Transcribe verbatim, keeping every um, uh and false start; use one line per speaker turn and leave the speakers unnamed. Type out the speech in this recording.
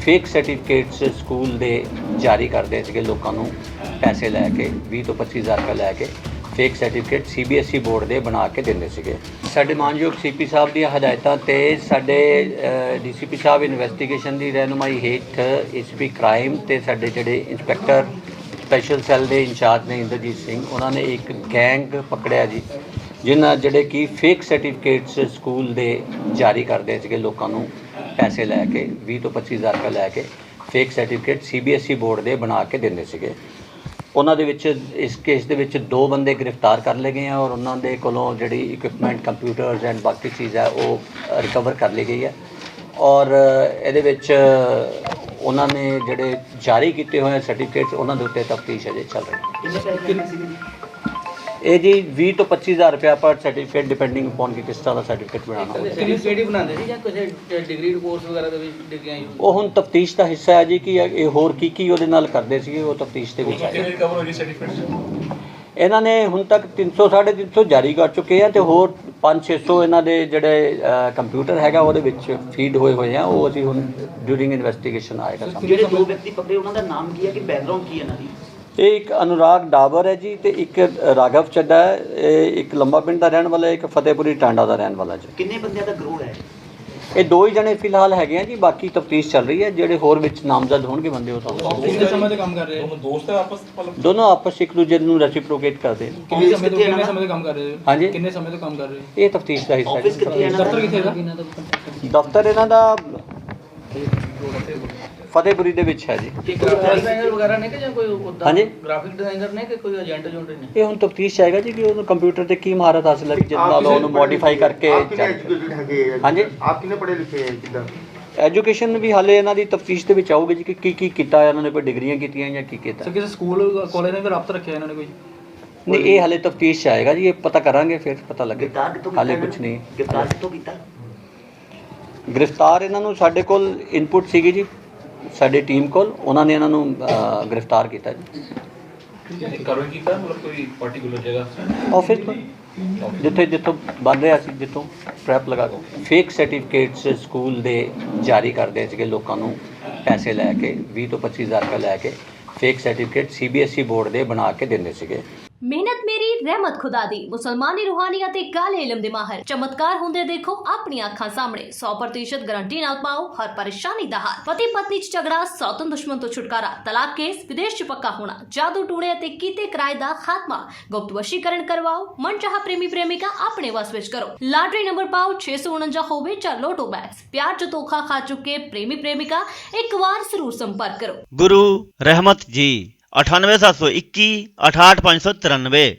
Fake certificates school दे जारी करते थे लोगों को पैसे लैके बीस तो पच्चीस हज़ार रुपये लैके fake certificate C B S E board के बना के देंगे थे। साडे मानयोग सी पी साहब दी हदायतां ते साडे डी सी पी साहब इन्वेस्टिगेशन की रहनुमाई हेठ एस पी क्राइम ते साडे जिहड़े इंस्पैक्टर स्पैशल सैल के इंचार्ज ने इंद्रजीत सिंह, उन्होंने एक गैंग पकड़िया जी जिन्हें जिहड़े कि फेक सर्टिफिकेट्स स्कूल दे जारी करते थे लोगों को पैसे लैके बीस तो पच्चीस हज़ार रुपये लैके fake certificate C B S E board के बना के देंगे थे। उन्हों दे विच इस केस दे विच दो बंदे गिरफ्तार कर लए गए हैं और उन्होंने कोलों जिहड़ी इक्विपमेंट कंप्यूटर्स एंड बाकी चीज़ है वो रिकवर कर ली गई है और इहदे विच उन्होंने जिहड़े जारी किए हुए सर्टिफिकेट्स उन्होंने दे उत्ते तफ्तीश अजे चल रही है। ये जी बीस तो पच्चीस हज़ार रुपया पर सर्टिफिकेट डिपेंडिंग अपॉन कि किस तरह का सर्टिफिकेट बनाना वो हुण तफ्तीश का हिस्सा है जी कि ये होर की की उहदे नाल करदे सीगे वो तफ्तीश दे विच है। इन्हां ने हुण तक तीन सौ साढ़े तीन सौ जारी कर चुके हैं तो होर पाँच छे सौ इन्हां दे जिहड़े कंप्यूटर हैगा उहदे विच फीड होए हुए हैं वो असीं हुण ड्यूरिंग इन्वेस्टिगेशन आएगा सामने।
ਜਿਹੜੇ ਦੋ ਵਿਅਕਤੀ ਪਕੜੇ ਉਹਨਾਂ ਦਾ ਨਾਮ ਕੀ ਹੈ ਕਿ ਬੈਕਗ੍ਰਾਉਂਡ ਕੀ ਹੈ ਇਹਨਾਂ ਦੀ?
ਇਹ ਇੱਕ ਅਨੁਰਾਗ ਡਾਬਰ ਹੈ ਜੀ ਤੇ ਇੱਕ ਰਾਘਵ ਚੱਡਾ ਹੈ, ਇਹ ਇੱਕ ਲੰਬਾ ਪਿੰਡ ਦਾ ਰਹਿਣ ਵਾਲਾ ਹੈ, ਇੱਕ ਫਤਿਹਪੁਰੀ ਟਾਂਡਾ ਦਾ ਰਹਿਣ ਵਾਲਾ ਜੀ।
ਕਿੰਨੇ ਬੰਦਿਆਂ ਦਾ ਗਰੋਹ ਹੈ?
ਇਹ ਦੋ ਹੀ ਜਣੇ ਫਿਲਹਾਲ ਹੈਗੇ ਆ ਜੀ, ਬਾਕੀ ਤਫਤੀਸ਼ ਚੱਲ ਰਹੀ ਹੈ। ਜਿਹੜੇ ਹੋਰ ਵਿੱਚ ਨਾਮਜ਼ਦ ਹੋਣਗੇ ਬੰਦੇ ਉਹ ਤੁਹਾਨੂੰ
ਕਿੰਨੇ ਸਮੇਂ ਤੋਂ ਕੰਮ ਕਰ ਰਹੇ ਹੋ? ਦੋਸਤ ਹੈ ਆਪਸ ਵਿੱਚ?
ਦੋਨੋਂ ਆਪਸ ਇੱਕ ਦੂਜੇ ਨੂੰ ਰੈਸਿਪਰੋਕੇਟ ਕਰਦੇ ਨੇ।
ਕਿੰਨੇ ਸਮੇਂ ਤੋਂ ਕਿੰਨੇ ਸਮੇਂ ਤੋਂ ਕੰਮ ਕਰ ਰਹੇ ਹੋ?
ਹਾਂਜੀ
ਕਿੰਨੇ ਸਮੇਂ ਤੋਂ ਕੰਮ ਕਰ ਰਹੇ ਹੋ?
ਇਹ ਤਫਤੀਸ਼ ਦਾ ਹਿੱਸਾ
ਆਫਿਸ ਕਿੱਥੇ ਹੈ?
ਦਫ਼ਤਰ ਕਿੱਥੇ ਦਾ?
ਦਫ਼ਤਰ ਇਹਨਾਂ ਦਾ ਫਤਿਹਪੁਰੀ ਦੇ ਵਿੱਚ ਹੈ ਜੀ।
ਗ੍ਰਾਫਿਕ ਡਿਜ਼ਾਈਨਰ ਵਗੈਰਾ ਨੇ ਕਿ ਜਾਂ ਕੋਈ ਉਦਾਂ?
ਹਾਂਜੀ
ਗ੍ਰਾਫਿਕ ਡਿਜ਼ਾਈਨਰ ਨੇ ਕਿ ਕੋਈ ਏਜੰਟ ਜੁੰਟ ਨੇ?
ਇਹ ਹੁਣ ਤਫਤੀਸ਼ ਆਏਗਾ ਜੀ ਕਿ ਉਹਨੂੰ ਕੰਪਿਊਟਰ ਤੇ ਕੀ ਮਹਾਰਤ ਹਾਸਲ ਹੈ ਜਿਸ ਨਾਲ ਉਹਨੂੰ ਮੋਡੀਫਾਈ ਕਰਕੇ ਹਾਂਜੀ
ਆਪ ਕਿੰਨੇ ਪੜ੍ਹੇ ਲਿਖੇ ਹੈ ਕਿੱਦਾਂ?
ਐਜੂਕੇਸ਼ਨ ਵੀ ਹਾਲੇ ਇਹਨਾਂ ਦੀ ਤਫਤੀਸ਼ ਦੇ ਵਿੱਚ ਆਊਗੀ ਜੀ ਕਿ ਕੀ ਕੀ ਕੀਤਾ ਇਹਨਾਂ ਨੇ, ਕੋਈ ਡਿਗਰੀਆਂ ਕੀਤੀਆਂ ਜਾਂ ਕੀ ਕੀਤਾ।
ਸਰ ਕਿਸੇ ਸਕੂਲ ਕਾਲਜ ਨੇ ਵੀ ਰਾਬਤਾ ਰੱਖਿਆ ਇਹਨਾਂ ਨੇ ਕੋਈ?
ਨਹੀਂ ਇਹ ਹਾਲੇ ਤਫਤੀਸ਼ 'ਚ ਆਏਗਾ ਜੀ, ਇਹ ਪਤਾ ਕਰਾਂਗੇ ਫਿਰ ਪਤਾ ਲੱਗੇ।
ਗਿਰਫਤਾਰ ਕਿੱਥੋਂ
ਹਾਲੇ
ਕੀਤਾ
ਕੁਝ ਨਹੀਂ
ਗਿਰਫਤਾਰ ਕਿੱਥੋਂ ਕੀਤਾ?
ਗ੍ਰਿਫਤਾਰ ਇਹਨਾਂ ਨੂੰ ਸਾਡੇ ਕੋਲ ਇਨਪੁਟ ਸੀਗੀ ਜੀ ਸਾਡੀ ਟੀਮ ਕੋਲ, ਉਹਨਾਂ ਨੇ ਇਹਨਾਂ ਨੂੰ ਗ੍ਰਿਫਤਾਰ ਕੀਤਾ ਜੀ।
ਕਾਰਵਾਈ ਕੀਤਾ ਮਤਲਬ ਕੋਈ ਪਾਰਟਿਕੂਲਰ ਜਗ੍ਹਾ
ਆਫਿਸ ਤੋਂ ਜਿੱਥੇ ਜਿੱਥੋਂ ਬਣ ਰਿਹਾ ਸੀ, ਜਿੱਥੋਂ ਟ੍ਰੈਪ ਲਗਾ ਕੇ ਫੇਕ ਸਰਟੀਫਿਕੇਟਸ ਸਕੂਲ ਦੇ ਜਾਰੀ ਕਰਦੇ ਸੀਗੇ ਲੋਕਾਂ ਨੂੰ ਪੈਸੇ ਲੈ ਕੇ बीस ਤੋਂ ਪੱਚੀ ਹਜ਼ਾਰ ਰੁਪਏ ਲੈ ਕੇ fake certificate C B S E board ਦੇ ਬਣਾ ਕੇ ਦਿੰਦੇ ਸੀਗੇ।
ਮਿਹਨਤ ਮੇਰੀ ਰਹਿਮਤ ਖੁਦਾ ਦੀ ਮੁਸਲਮਾਨੀ ਰੂਹਾਨੀਅਤ ਤੇ ਕਾਲੇ ਇਲਮ ਦੇ ਮਾਹਰ ਚਮਤਕਾਰ ਹੁੰਦੇ ਦੇਖੋ ਆਪਣੀਆਂ ਅੱਖਾਂ ਸਾਹਮਣੇ ਸੌ ਪ੍ਰਤੀਸ਼ਤ ਗਾਰੰਟੀ ਨਾਲ ਪਾਓ ਹਰ ਪਰੇਸ਼ਾਨੀ ਦਾ ਹੱਲ। ਪਤੀ ਪਤਨੀ ਚ ਝਗੜਾ, ਸੌਤਨ ਦੁਸ਼ਮਣ ਤੋਂ ਛੁਟਕਾਰਾ, ਤਲਾਕ ਕੇਸ, ਵਿਦੇਸ਼ ਚ ਪੱਕਾ ਹੋਣਾ, ਜਾਦੂ ਟੂਣੇ ਅਤੇ ਕੀਤੇ ਕਿਰਾਏ ਦਾ ਖਾਤਮਾ, ਗੁਪਤ ਵਸ਼ੀਕਰਨ ਕਰਵਾਓ, ਮਨਚਾਹਾ ਪ੍ਰੇਮੀ ਪ੍ਰੇਮਿਕਾ ਆਪਣੇ ਵਸ ਵਿੱਚ ਕਰੋ। ਲਾਟਰੀ ਨੰਬਰ ਪਾਓ ਛੇ ਸੌ ਉਣੰਜਾ ਹੋਵੇ ਜਾਂ ਲੋਟੋ ਬੈਗਸ। ਪਿਆਰ ਚ ਧੋਖਾ ਖਾ ਚੁੱਕੇ ਪ੍ਰੇਮੀ ਪ੍ਰੇਮਿਕਾ ਇੱਕ ਵਾਰ ਜ਼ਰੂਰ ਸੰਪਰਕ ਕਰੋ।
गुरु रहमत जी अठानवे सात सौ इक्की अठाठ पाँच सौ तिरानवे।